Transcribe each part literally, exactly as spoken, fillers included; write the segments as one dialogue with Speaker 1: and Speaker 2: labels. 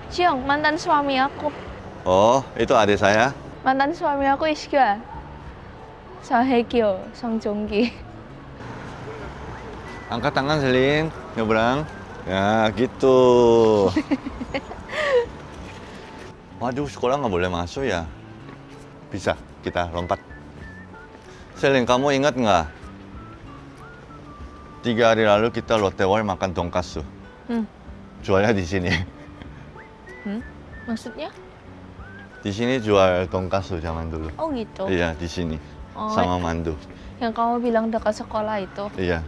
Speaker 1: Ciong, mantan suami aku.
Speaker 2: Oh, itu adik saya.
Speaker 1: Mantan suami aku Isga. Song Hye-kyo, Song Joong-ki.
Speaker 2: Angkat tangan, Selin. Nyebrang. Ya, gitu. Waduh, sekolah nggak boleh masuk ya? Bisa, kita lompat. Selin, kamu ingat nggak? Tiga hari lalu kita Lotte World makan donkasu.
Speaker 1: Hmm.
Speaker 2: Jualnya di sini.
Speaker 1: Hmm? Maksudnya?
Speaker 2: Di sini jual donkasu zaman dulu.
Speaker 1: Oh gitu.
Speaker 2: Iya, di sini.
Speaker 1: Oh,
Speaker 2: Sama mandu.
Speaker 1: yang kamu bilang dekat sekolah itu.
Speaker 2: Iya.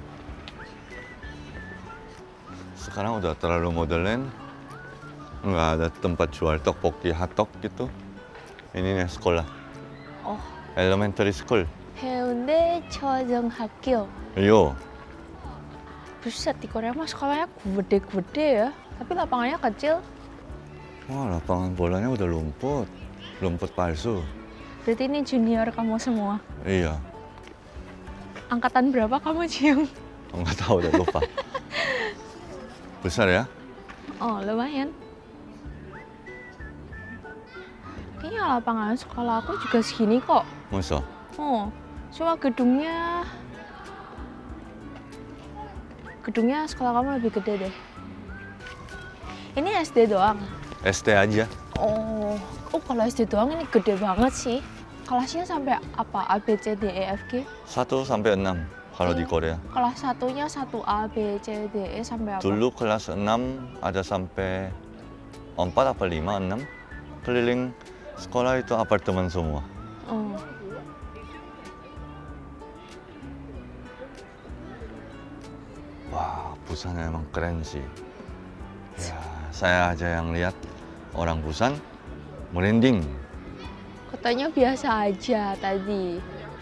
Speaker 2: Sekarang udah terlalu modern. Nggak ada tempat jual tteokbokki, hotdog gitu. Ini nih sekolah.
Speaker 1: Oh,
Speaker 2: Elementary school.
Speaker 1: Haeundae Chojeonghakyo.
Speaker 2: Iyo.
Speaker 1: Buset, di Korea mah sekolahnya gede-gede ya. Tapi lapangannya kecil.
Speaker 2: Wah, lapangan bolanya udah lumpur. Lumpur palsu.
Speaker 1: Berarti ini junior kamu semua.
Speaker 2: Iya.
Speaker 1: Angkatan berapa kamu, Ciong?
Speaker 2: Nggak tahu, udah lupa. Besar ya?
Speaker 1: Oh, lumayan. Kayaknya lapangan sekolah aku juga segini kok.
Speaker 2: Masa?
Speaker 1: Oh, cuma gedungnya... Gedungnya sekolah kamu lebih gede deh. Ini S D doang?
Speaker 2: S T aja.
Speaker 1: Oh, oh kalau S D doang ini gede banget sih. Kelasnya sampai apa? A, B, C, D, E, F, G?
Speaker 2: satu sampai enam kalau di Korea.
Speaker 1: Kelas satunya satu A, B, C, D, E sampai apa?
Speaker 2: Dulu kelas enam ada sampai empat apa lima, enam. Keliling sekolah itu apartemen semua.
Speaker 1: Oh.
Speaker 2: Wah, Busan emang keren sih. Ya, saya aja yang lihat orang Busan merinding.
Speaker 1: Katanya biasa aja tadi.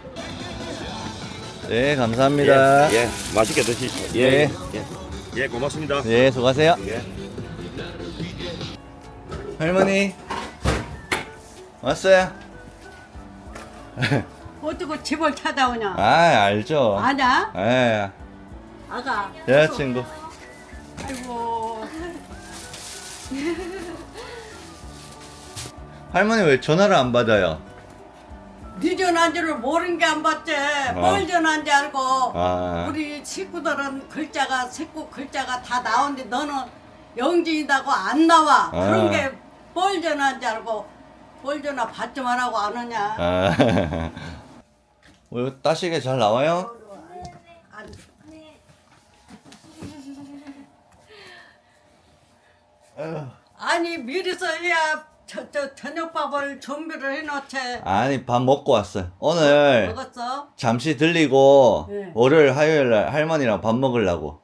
Speaker 2: 네, 감사합니다.
Speaker 3: 예, 예, 맛있게 드시죠.
Speaker 2: 예.
Speaker 3: 예, 예, 예, 고맙습니다.
Speaker 2: 예, 수고하세요.
Speaker 3: 예.
Speaker 2: 할머니, 왔어요?
Speaker 4: 어떻게 집을 찾아오냐?
Speaker 2: 아, 알죠.
Speaker 4: 아냐?
Speaker 2: 예,
Speaker 4: 아가.
Speaker 2: 여자친구.
Speaker 4: 아이고.
Speaker 2: 할머니 왜 전화를 안 받아요?
Speaker 4: 네 전화인 줄 모르는 게 안 봤지. 뭘 전화인 줄 알고.
Speaker 2: 아.
Speaker 4: 우리 식구들은 글자가 식구 글자가 다 나오는데 너는 영진이다고 안 나와.
Speaker 2: 아.
Speaker 4: 그런 게 뭘 전화인 줄 알고 뭘 전화 받지만 하고 안 오냐?
Speaker 2: 아. 뭐 따시게 잘 나와요?
Speaker 4: 안- 아니 미리서 해야 저, 저 저녁밥을 준비를 해놓지.
Speaker 2: 아니, 밥 먹고 왔어요. 오늘
Speaker 4: 먹었어?
Speaker 2: 잠시 들리고
Speaker 4: 네.
Speaker 2: 월요일, 화요일 날 할머니랑 밥 먹으려고.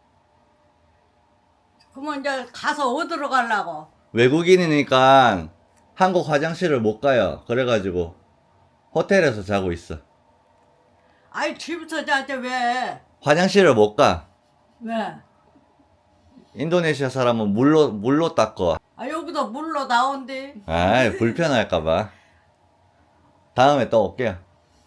Speaker 4: 그러면 이제 가서 어디로 가려고?
Speaker 2: 외국인이니까 한국 화장실을 못 가요. 그래가지고 호텔에서 자고 있어.
Speaker 4: 아이 집에서 자지 왜?
Speaker 2: 화장실을 못 가.
Speaker 4: 왜?
Speaker 2: 인도네시아 사람은 물로 물로 닦어.
Speaker 4: 아 여기도 물로 나온대.
Speaker 2: 아, 불편할까봐. 다음에 또 올게요.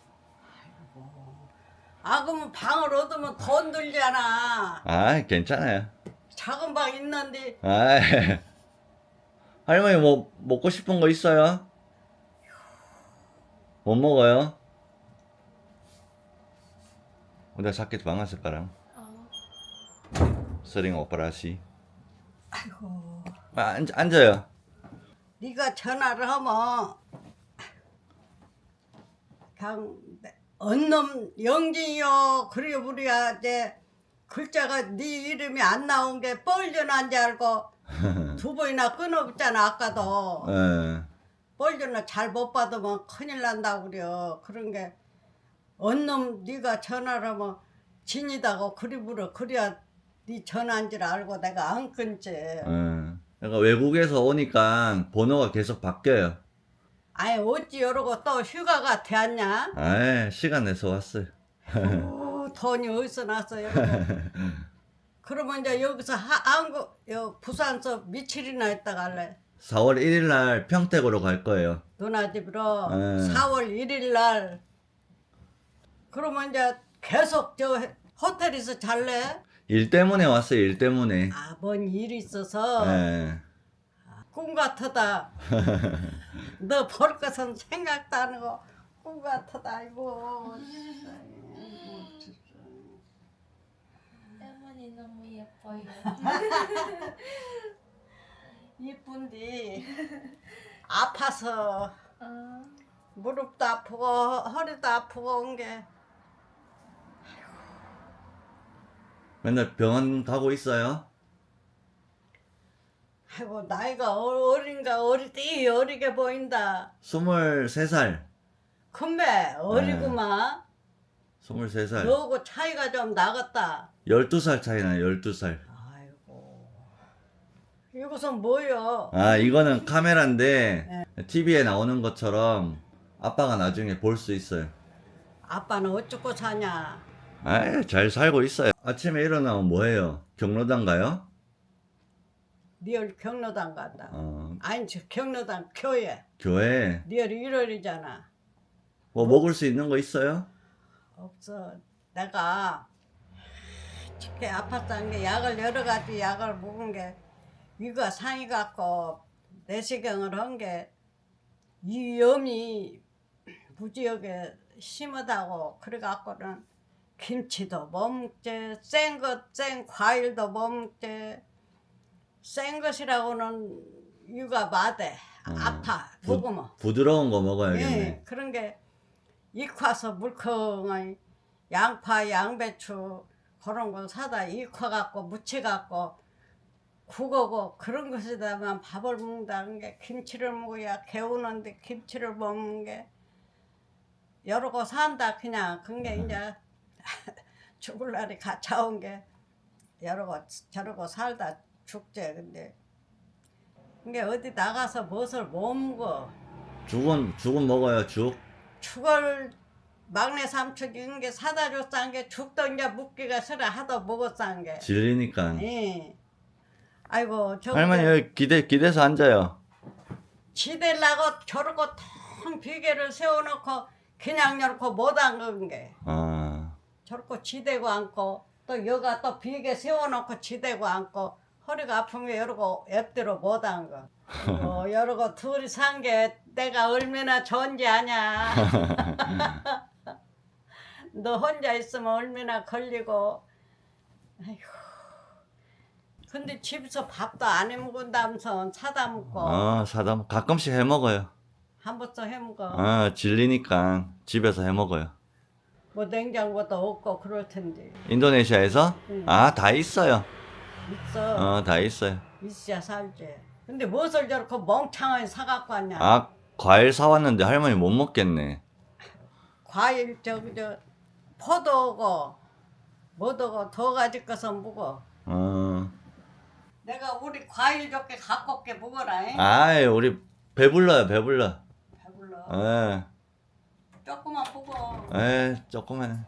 Speaker 4: 아 그러면 방을 얻으면 돈 들잖아.
Speaker 2: 아, 괜찮아요.
Speaker 4: 작은 방 있는데.
Speaker 2: 아, 할머니 뭐 먹고 싶은 거 있어요? 못 먹어요? udah sakit banget sekarang. sering operasi.
Speaker 4: 아이고.
Speaker 2: 아, 앉, 앉아요.
Speaker 4: 네가 전화를 하면 그냥 언놈 영진이요. 그래 우리가 이제 글자가 네 이름이 안 나온 게 뻘전화인 줄 알고 두 번이나 끊어봤잖아 아까도.
Speaker 2: 예.
Speaker 4: 뻘전화 잘 못 받으면 큰일 난다고 그래요. 그런 게 언놈 네가 전화를 하면 진이다고 그리 물어. 그래야 네 전화인 줄 알고 내가 안 끊지.
Speaker 2: 예. 그러니까 외국에서 오니까 번호가 계속 바뀌어요.
Speaker 4: 아니 어찌 이러고 또 휴가가 되었냐?
Speaker 2: 아, 시간 내서 왔어요.
Speaker 4: 오, 돈이 어디서 났어요? 그러면 이제 여기서 하, 한국 여 부산서 며칠이나 있다가 갈래?
Speaker 2: 사월 일일 날 평택으로 갈 거예요.
Speaker 4: 누나 집으로
Speaker 2: 네.
Speaker 4: 사월 일일 날. 그러면 이제 계속 저 호텔에서 잘래?
Speaker 2: 일 때문에 왔어요, 일 때문에.
Speaker 4: 아, 뭔 일이 있어서
Speaker 2: 예.
Speaker 4: 꿈 같다. 너 볼 것은 생각도 안 하고 꿈 같다. 아이고.
Speaker 1: 할머니 너무 예뻐요.
Speaker 4: 이쁜디 아파서
Speaker 1: 아,
Speaker 4: 무릎도 아프고 허리도 아프고 온 게
Speaker 2: 맨날 병원 가고 있어요?
Speaker 4: 아이고 나이가 어- 어린가 어리디 어리게 보인다.
Speaker 2: 스물세 살.
Speaker 4: 근데 어리구만.
Speaker 2: 스물세 살.
Speaker 4: 너하고 차이가 좀 나겠다.
Speaker 2: 열두 살 차이 나요, 열두 살.
Speaker 4: 아이고 이것은 뭐여?
Speaker 2: 아, 이거는 카메라인데 티비에 나오는 것처럼 아빠가 나중에 볼 수 있어요.
Speaker 4: 아빠는 어쩌고 사냐?
Speaker 2: 아, 잘 살고 있어요. 아침에 일어나면 뭐해요? 경로당 가요?
Speaker 4: 니얼 경로당 간다.
Speaker 2: 어,
Speaker 4: 아니 저 경로당 교회.
Speaker 2: 교회.
Speaker 4: 니얼 일월이잖아.
Speaker 2: 뭐 먹을 수 있는 거 있어요?
Speaker 4: 없어. 내가 특히 아팠다는 게 약을 여러 가지 약을 먹은 게 위가 상이 갖고 내시경을 한 게 이 염이 무지하게 심하다고 그래 갖고는 김치도 못 먹지 생것 생 과일도 못 먹지 생 것이라고는 위가 마대 아파
Speaker 2: 부-
Speaker 4: 먹으면
Speaker 2: 부드러운 거 먹어야겠네.
Speaker 4: 예, 그런 게 익화서 물컹한 양파, 양배추 그런 거 사다 익화 갖고 무쳐 갖고 국어고 그런 것에다만 밥을 먹는다는 게 김치를 먹어야 개우는데 김치를 못 먹는 게 여러 거 산다 그냥 그게 이제 죽을 날이 가차온 게 여러 거 저러 거 살다 죽지 근데 그게 어디 나가서 무엇을 못 먹어
Speaker 2: 죽은 죽은 먹어요, 죽.
Speaker 4: 죽을 막내 삼촌 이런 게 사다 줬싼 게 죽도 이제 묵기가 싫어 하도 먹었싼 게.
Speaker 2: 질리니까.
Speaker 4: 예. 아이고 저
Speaker 2: 할머니 여기 기대 기대서 앉아요.
Speaker 4: 지대려고 저러고 텅 비계를 세워놓고 그냥 이렇게 못 앉은 게.
Speaker 2: 아,
Speaker 4: 저렇게 지대고 앉고 또 여가 또 비계 세워놓고 지대고 앉고 허리가 아픈 게 여러고 옆대로 못 앉아. 어, 여러고 둘이 산 게 내가 얼마나 좋은지 아냐. 너 혼자 있으면 얼마나 걸리고. 아이고. 근데 집에서 밥도 안 해 먹은다면서 사다 먹고
Speaker 2: 아 사다 가끔씩 해 먹어요.
Speaker 4: 한 번도 해 먹어.
Speaker 2: 아 질리니까 집에서 해 먹어요.
Speaker 4: 뭐 냉장고도 없고 그럴 텐데.
Speaker 2: 인도네시아에서
Speaker 4: 응.
Speaker 2: 아 다 있어요.
Speaker 4: 있어.
Speaker 2: 어 다 있어요.
Speaker 4: 있어야 살지. 근데 무엇을 저렇게 멍청하게 사갖고 왔냐.
Speaker 2: 아 과일 사왔는데 할머니 못 먹겠네.
Speaker 4: 과일 저기 저 포도고 뭐도고 더 가지 것은 먹어.
Speaker 2: 어.
Speaker 4: 내가 우리 과일 좋게 갖고 올게 먹어라. 잉?
Speaker 2: 아이 우리 배불러요 배불러.
Speaker 4: 배불러.
Speaker 2: 에,
Speaker 4: 조금만 먹어.
Speaker 2: 에 조금만.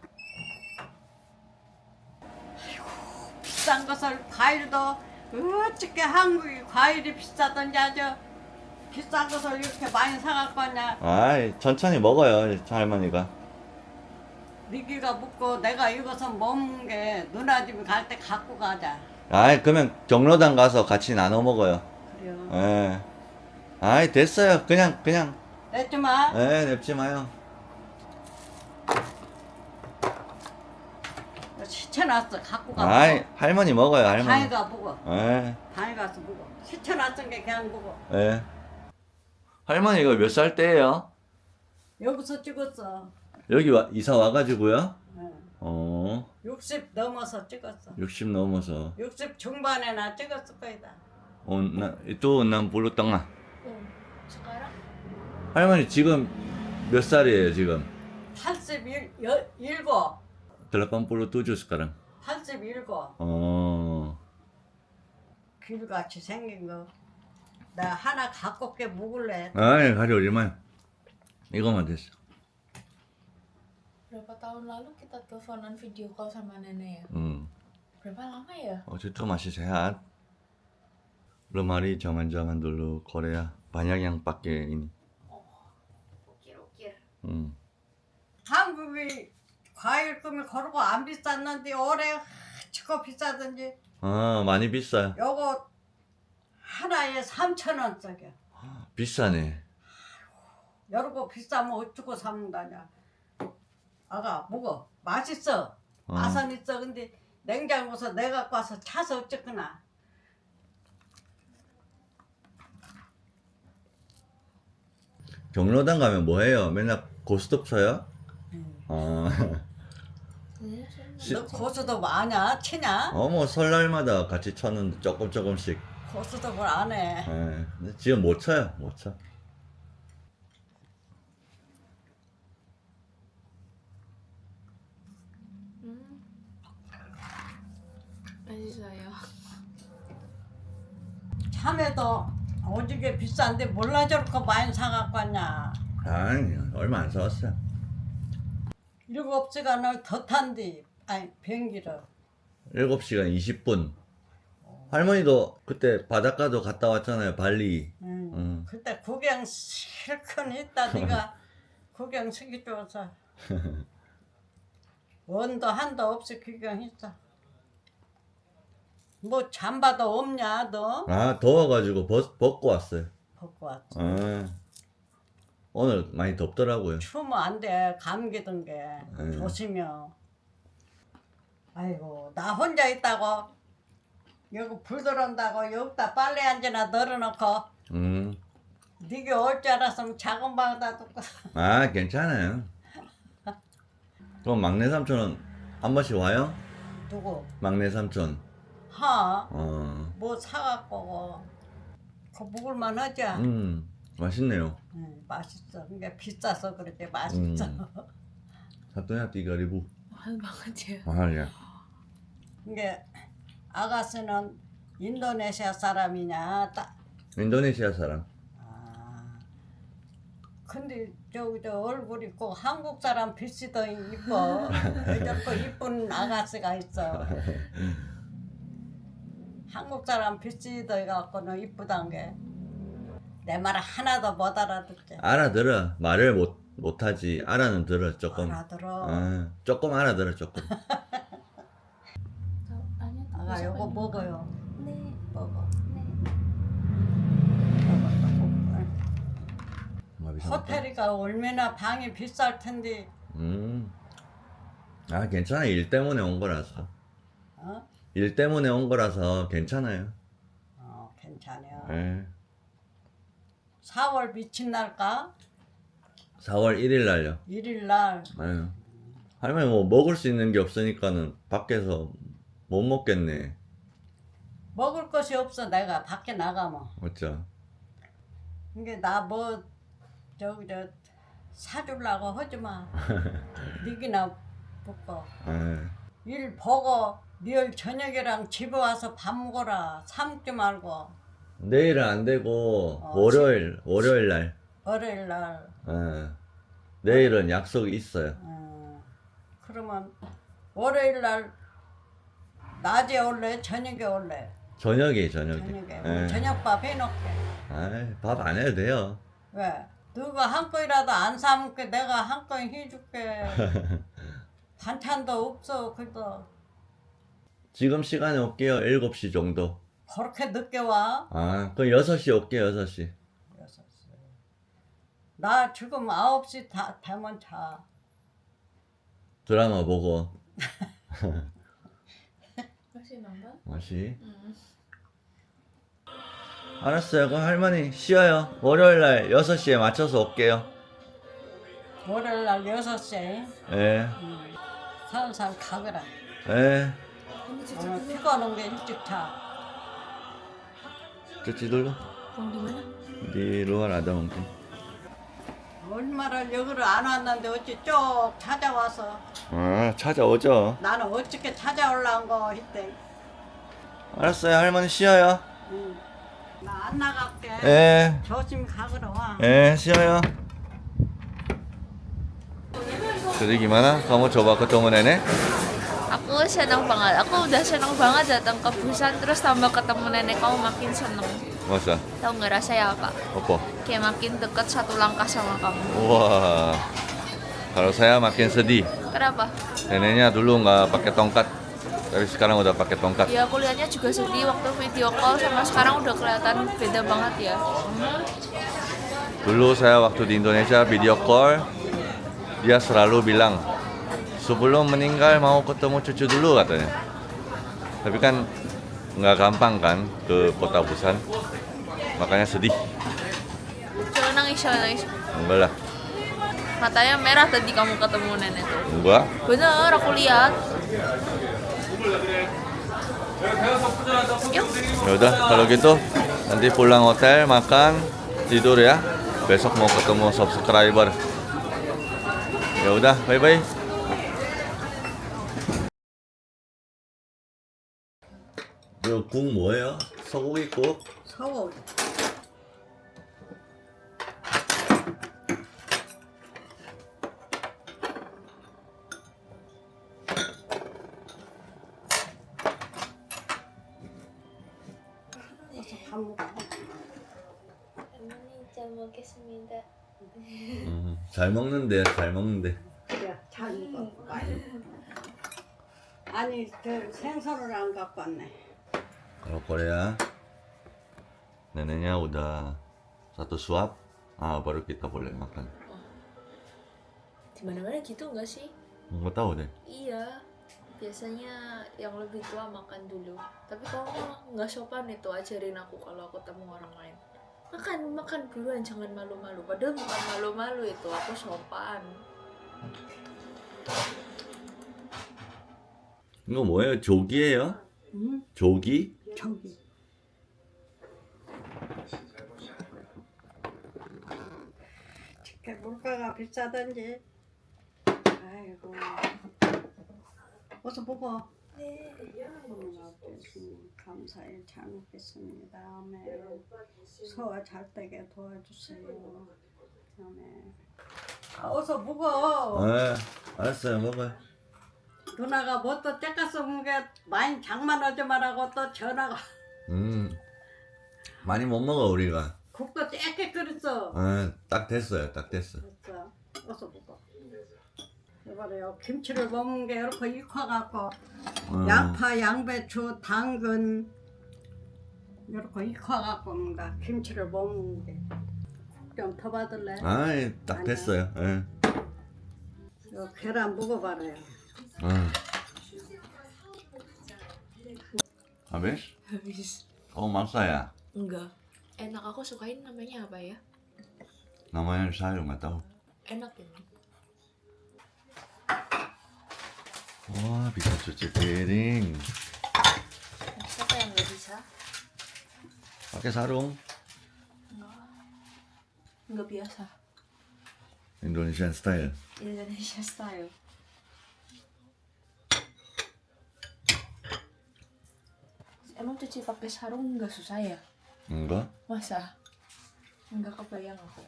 Speaker 4: 비싼 것을 과일도 어떻게 한국이 과일이 비싸던지 아주 비싼 것을 이렇게 많이 사갖고 왔냐.
Speaker 2: 아이 천천히 먹어요 할머니가.
Speaker 4: 니기가 묻고 내가 이것은 못 먹는 게 누나 집에 갈 때 갖고 가자.
Speaker 2: 아이 그러면 경로당 가서 같이 나눠 먹어요.
Speaker 4: 그래요.
Speaker 2: 에. 아이 됐어요. 그냥 그냥.
Speaker 4: 냈지 마.
Speaker 2: 에 냅지 마요.
Speaker 4: 시켜놨어. 갖고 가.
Speaker 2: 아이 할머니 먹어요
Speaker 4: 방에
Speaker 2: 할머니.
Speaker 4: 가 먹어.
Speaker 2: 에.
Speaker 4: 방에 가서 먹어. 시켜놨은 게 그냥 먹어.
Speaker 2: 에. 할머니 이거 몇 살 때예요?
Speaker 4: 여기서 찍었어.
Speaker 2: 여기 와, 이사 와가지고요.
Speaker 4: 응.
Speaker 2: 어.
Speaker 4: 육십 넘어서 찍었어.
Speaker 2: 육십 넘어서.
Speaker 4: 육십 중반에나 찍었을 거이다.
Speaker 2: 어, 나, itu enam puluh tengah.
Speaker 1: 응. sekarang
Speaker 2: 할머니 지금 몇 살이에요 지금?
Speaker 4: 팔십칠.
Speaker 2: delapan puluh tujuh sekarang.
Speaker 4: 팔십칠.
Speaker 2: 어.
Speaker 4: 길같이 생긴 거. 나 하나 갖고 올게 먹을래.
Speaker 2: 아이 가리 얼마야? 이거만 됐어.
Speaker 1: berapa tahun lalu kita teleponan video call sama nenek ya?
Speaker 2: 음.
Speaker 1: Berapa lama ya?
Speaker 2: Waktu itu masih sehat. Belum hari zaman-zaman dulu Korea banyak yang pakai ini.
Speaker 1: Ukir-ukir.
Speaker 2: 음.
Speaker 4: 한국이 과일금이 거르고 안 비쌌는데 올해 치고 비싸든지
Speaker 2: 아 많이 비싸요.
Speaker 4: 요거 하나에 삼천 원짜리.
Speaker 2: 비싸네.
Speaker 4: 여러 거 비싸면 어쩌고 사먹다냐. 아가 먹어. 맛있어.
Speaker 2: 어.
Speaker 4: 맛은 있어. 근데 냉장고에서 내가 갖고 와서 차서 어쨌거나.
Speaker 2: 경로당 가면 뭐 해요? 맨날 고스톱 쳐요?
Speaker 4: 음.
Speaker 2: 어. 시-
Speaker 4: 너 고수도 아냐? 치냐?
Speaker 2: 어, 뭐 설날마다 같이 쳤는데 조금 조금씩.
Speaker 4: 고수도 뭘 안 해.
Speaker 2: 예. 근데 지금 못 쳐요. 못 쳐.
Speaker 1: 맛있어요.
Speaker 4: 참외도 오지게 비싼데 몰라 저렇게 많이 사갖고 왔냐.
Speaker 2: 아니, 얼마 안 사왔어요.
Speaker 4: 일곱 시간을 더 탄디. 아니 비행기를.
Speaker 2: 일곱 시간 이십 분. 할머니도 그때 바닷가도 갔다 왔잖아요. 발리.
Speaker 4: 응.
Speaker 2: 응.
Speaker 4: 그때 구경 실컷 했다 네가 구경 시켜줘서 원도 한도 없이 구경했어. 뭐 잠바도 없냐 너?
Speaker 2: 아, 더워가지고 벗, 벗고 왔어요.
Speaker 4: 벗고 왔지.
Speaker 2: 아, 오늘 많이 덥더라고요.
Speaker 4: 추우면 안 돼. 감기 든 게.
Speaker 2: 응.
Speaker 4: 조심혀. 아이고 나 혼자 있다고 여기 불 들어온다고 여기다 빨래 한 개나 널어놓고
Speaker 2: 음.
Speaker 4: 네가 올 줄 알았으면 작은 방에다 두고.
Speaker 2: 아, 괜찮아요. 그럼 막내 삼촌은 한 번씩 와요?
Speaker 4: 누구?
Speaker 2: 막내 삼촌.
Speaker 4: 하?
Speaker 2: 어.
Speaker 4: 뭐 사갖고 그 먹을만 하지?
Speaker 2: 음, 맛있네요.
Speaker 4: 응, 맛있어. 그게 비싸서 그렇지 맛있어.
Speaker 2: 음. Satu tiga ribu.
Speaker 1: mahal banget ya.
Speaker 2: mahal ya.
Speaker 4: 이게 아가씨는 인도네시아 사람이냐? 딱.
Speaker 2: 인도네시아 사람.
Speaker 4: 아. 근데 저기 저 얼굴이 꼭 한국 사람 비슷더 이뻐. 왜 저렇게 이쁜 아가씨가 있어. 한국 사람 비슷더 갖고는 이쁘단 게. 내 말 하나도 못 알아듣지.
Speaker 2: 알아들어. 말을 못 못하지. 알아는 들어 조금.
Speaker 4: 알아들어.
Speaker 2: 어, 조금 알아들어 조금.
Speaker 4: 아가 요거 먹어요.
Speaker 1: 네.
Speaker 4: 먹어.
Speaker 1: 네.
Speaker 2: 뭐 비싼 거?
Speaker 4: 호텔이가 얼마나 방이 비쌀 텐데.
Speaker 2: 음. 아, 괜찮아. 일 때문에 온 거라서.
Speaker 4: 어?
Speaker 2: 일 때문에 온 거라서 괜찮아요.
Speaker 4: 어, 괜찮아요.
Speaker 2: 예.
Speaker 4: 사월 미친 날까?
Speaker 2: 사월 일일 날요.
Speaker 4: 일일 날.
Speaker 2: 아유. 할머니 뭐 먹을 수 있는 게 없으니까는 밖에서 못 먹겠네.
Speaker 4: 먹을 것이 없어 내가 밖에 나가면.
Speaker 2: 맞죠?
Speaker 4: 이게 나 뭐 저기 저 사주려고 하지 마. 니기나 먹고.
Speaker 2: 예.
Speaker 4: 일 보고 내일 저녁이랑 집에 와서 밥 먹어라. 사 먹지 말고.
Speaker 2: 내일은 안 되고
Speaker 4: 어,
Speaker 2: 월요일 월요일 날.
Speaker 4: 월요일 날.
Speaker 2: 예. 내일은 약속이 있어요.
Speaker 4: 어, 그러면 월요일 날 낮에 올래? 저녁에 올래?
Speaker 2: 저녁에 저녁에.
Speaker 4: 저녁에.
Speaker 2: 예.
Speaker 4: 저녁밥 해놓게.
Speaker 2: 아이, 밥 안 해도 돼요.
Speaker 4: 왜? 너가 한 건이라도 안 사먹게 내가 한 건 해줄게. 반찬도 없어. 그래도
Speaker 2: 지금 시간에 올게요. 일곱 시 정도.
Speaker 4: 그렇게 늦게 와?
Speaker 2: 아, 그럼 여섯 시 올게요. 여섯 시.
Speaker 4: 여섯 시. 나 지금 아홉 시 다 되면 자.
Speaker 2: 드라마 보고.
Speaker 1: Masih nonton?
Speaker 2: 맛이. 알았어요. 그럼 할머니 쉬어요. 월요일 날 여섯 시에 맞춰서 올게요.
Speaker 4: 월요일 날 여섯 시에
Speaker 2: 예.
Speaker 4: 살살 가거라.
Speaker 2: 예.
Speaker 4: 오늘 피곤한 게 일찍 자.
Speaker 2: cuci dulu.
Speaker 1: Mau di mana?
Speaker 2: Di luar ada mungkin.
Speaker 4: 얼마나 여기를 안 왔는데 어찌 쭉 찾아와서
Speaker 2: 아, 찾아오죠.
Speaker 4: 나는 어떻게 찾아올라온 거 이때.
Speaker 2: 알았어요. 할머니 쉬어요.
Speaker 4: 응. 나 안 나갈게.
Speaker 2: 예.
Speaker 4: 조심히 가거라 와.
Speaker 2: Eh, 쉬어요. Jadi gimana? Kamu coba ketemu nenek?
Speaker 1: Aku senang banget. Aku udah senang banget datang ke Busan terus tambah ketemu nenek kamu makin seneng.
Speaker 2: Masa?
Speaker 1: Tahu nggak rasanya apa?
Speaker 2: Apa?
Speaker 1: Kayak makin deket satu langkah sama kamu.
Speaker 2: Wah. Kalau saya makin sedih.
Speaker 1: Kenapa?
Speaker 2: Neneknya dulu nggak pakai tongkat. Tapi sekarang udah pakai tongkat.
Speaker 1: Ya aku lihatnya juga sedih waktu video call sama sekarang udah kelihatan beda banget ya.
Speaker 2: Dulu saya waktu di Indonesia video call, dia selalu bilang sebelum meninggal mau ketemu cucu dulu katanya. Tapi kan nggak gampang kan ke kota Busan, makanya sedih.
Speaker 1: Coba nangis, coba nangis.
Speaker 2: Enggak lah,
Speaker 1: Matanya merah tadi kamu ketemu nenek tuh.
Speaker 2: enggak.
Speaker 1: Bener, aku lihat. Yuk.
Speaker 2: Ya udah kalau gitu nanti pulang hotel makan tidur ya. Besok mau ketemu subscriber. Ya udah, bye bye. 이거 국 뭐예요? 소고기국?
Speaker 4: 서울. 밥 먹어.
Speaker 1: 어머니 잘 먹겠습니다.
Speaker 2: 음, 잘 먹는데 잘 먹는데.
Speaker 4: 그래, 잘 먹어. 많이. 아니, 저 생선을 안 갖고 왔네.
Speaker 2: Kalau Korea neneknya udah satu suap, ah baru kita boleh makan.
Speaker 1: Di mana-mana gitu nggak sih?
Speaker 2: Nggak tahu deh.
Speaker 1: Iya. Biasanya yang lebih tua makan dulu. Tapi kamu nggak sopan itu ajarin aku kalau aku ketemu orang lain. Makan, makan duluan, jangan malu-malu. Padahal bukan malu-malu itu, aku sopan.
Speaker 2: 이거 뭐예요? 조기예요?
Speaker 4: 응?
Speaker 2: 조기?
Speaker 4: 저기. 이렇게 물가가 비싸던지. 아이고. 어서 먹어.
Speaker 1: 네.
Speaker 4: 음, 감사히 잘 먹겠습니다. 아멘. 소화 잘 되게 도와주세요. 아멘. 아, 어서 먹어.
Speaker 2: 네, 알았어요. 먹어요.
Speaker 4: 누나가 뭐 또 째까서 먹은 게 많이 장만하지 말라고 또 전화가.
Speaker 2: 음, 많이 못 먹어 우리가.
Speaker 4: 국도 째게 끓였어.
Speaker 2: 아, 딱 됐어요. 딱 됐어.
Speaker 4: 됐어. 어서 먹어. 이봐요. 김치를 먹는 게 이렇게 익혀갖고
Speaker 2: 음.
Speaker 4: 양파, 양배추, 당근 이렇게 익혀갖고 뭔가 김치를 먹는 게. 좀 더 받을래?
Speaker 2: 아, 딱 됐어요. 예.
Speaker 4: 요 계란 먹어봐라요.
Speaker 2: 음. Habis?
Speaker 1: Habis.
Speaker 2: Kamu maksa ya?
Speaker 1: Enggak. Enak, aku sukain namanya apa ya?
Speaker 2: Namanya saya nggak tahu.
Speaker 1: Enak ini.
Speaker 2: Wah, bisa cuci piring.
Speaker 1: Siapa yang nggak bisa?
Speaker 2: Pakai sarung.
Speaker 1: Nggak biasa.
Speaker 2: Indonesian style.
Speaker 1: Indonesia style. Emang cuci pakai sarung nggak susah ya?
Speaker 2: Enggak.
Speaker 1: Masa? Nggak kebayang aku.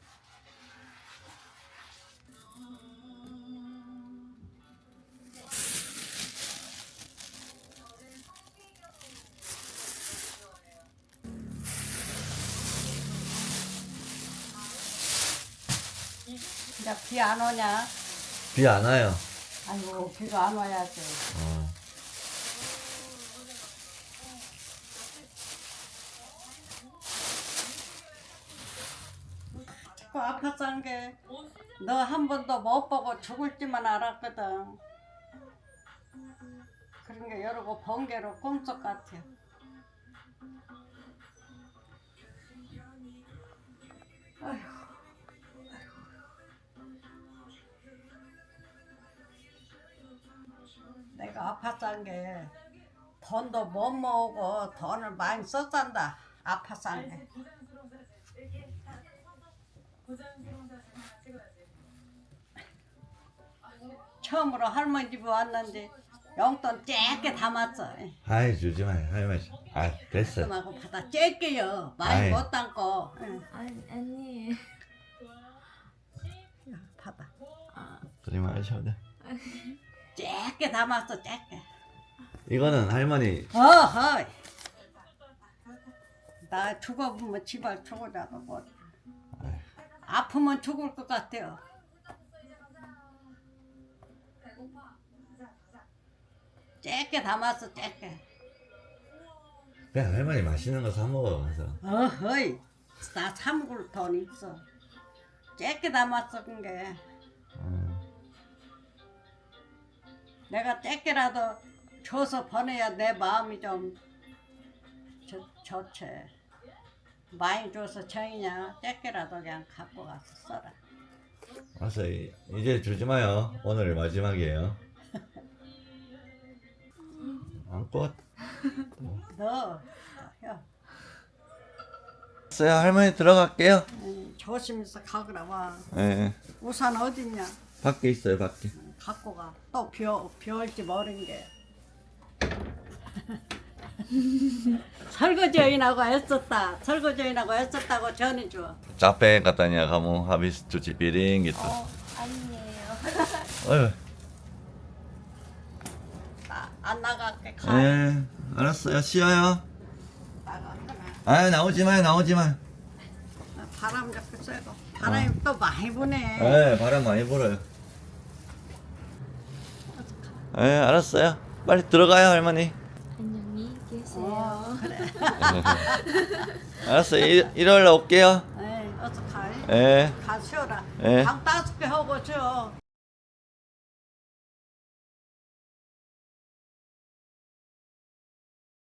Speaker 4: 이제 비 안 오냐?
Speaker 2: 비 안 와요.
Speaker 4: 아이고 비가 안 와야지.
Speaker 2: 어.
Speaker 4: 그 아팠던 게 너 한 번도 못 보고 죽을지만 알았거든. 그런 게 여러 거 번개로 꿈속 같아. 아휴. 내가 아팠던 게 돈도 못 모으고 돈을 많이 썼단다. 아팠던 게. 처음으로 할머니 집에 왔는데 용돈 쬐게 담았어.
Speaker 2: 아이 주지 마요. 할머니. 아 됐어.
Speaker 4: 하고 받아 쬐게요. 많이
Speaker 2: 아이.
Speaker 4: 못 담고. 응.
Speaker 1: 아니, 아니.
Speaker 4: 야, 받아.
Speaker 2: 그러지 마셔도 돼.
Speaker 4: 쬐게 담았어 쬐게.
Speaker 2: 이거는 할머니.
Speaker 4: 어허. 나 죽어보면 지발 죽어자도 뭐. 아프면 죽을 것 같아요. 짧게 담았어 짧게.
Speaker 2: 그냥 할머니 맛있는 거 사 먹어 가서.
Speaker 4: 어허이 나 참고로 돈 있어. 짧게 담았어 그게.
Speaker 2: 음.
Speaker 4: 내가 짧게라도 줘서 보내야 내 마음이 좀 좋, 좋지. 많이 줘서 정이냐 짧게라도 그냥 갖고 가서 써라.
Speaker 2: 알았어. 이- 이제 주지 마요. 오늘 마지막이에요. 안고.
Speaker 4: 너 야,
Speaker 2: 알았어요. 할머니 들어갈게요.
Speaker 4: 음, 조심해서 가거라 와.
Speaker 2: 예.
Speaker 4: 우산 어딨냐?
Speaker 2: 밖에 있어요. 밖에.
Speaker 4: 갖고 가. 또 비, 비 올지 모르는 게. 설거지인하고 애썼다. 설거지인하고 애썼다고 전해줘.
Speaker 2: Capek katanya kamu habis cuci piring gitu.
Speaker 1: 어, 아니에요.
Speaker 2: 어휴.
Speaker 4: 나, 안 나갈게. 가.
Speaker 2: 예. 알았어요. 쉬어요.
Speaker 4: 나가거나.
Speaker 2: 아 나오지 마요. 나오지 마.
Speaker 4: 바람 잡고 쐬고. 바람이 또 많이 부네.
Speaker 2: 예. 바람 많이 불어요. 예. 알았어요. 빨리 들어가요 할머니.
Speaker 1: 안녕히 계세요.
Speaker 4: 어, 그래.
Speaker 2: 알았어요. 일, 일요일에 올게요.
Speaker 4: 에이, 어서 가.
Speaker 2: 예.
Speaker 4: 가 쉬어라.
Speaker 2: 예.
Speaker 4: 방 따숩게 하고 쉬어.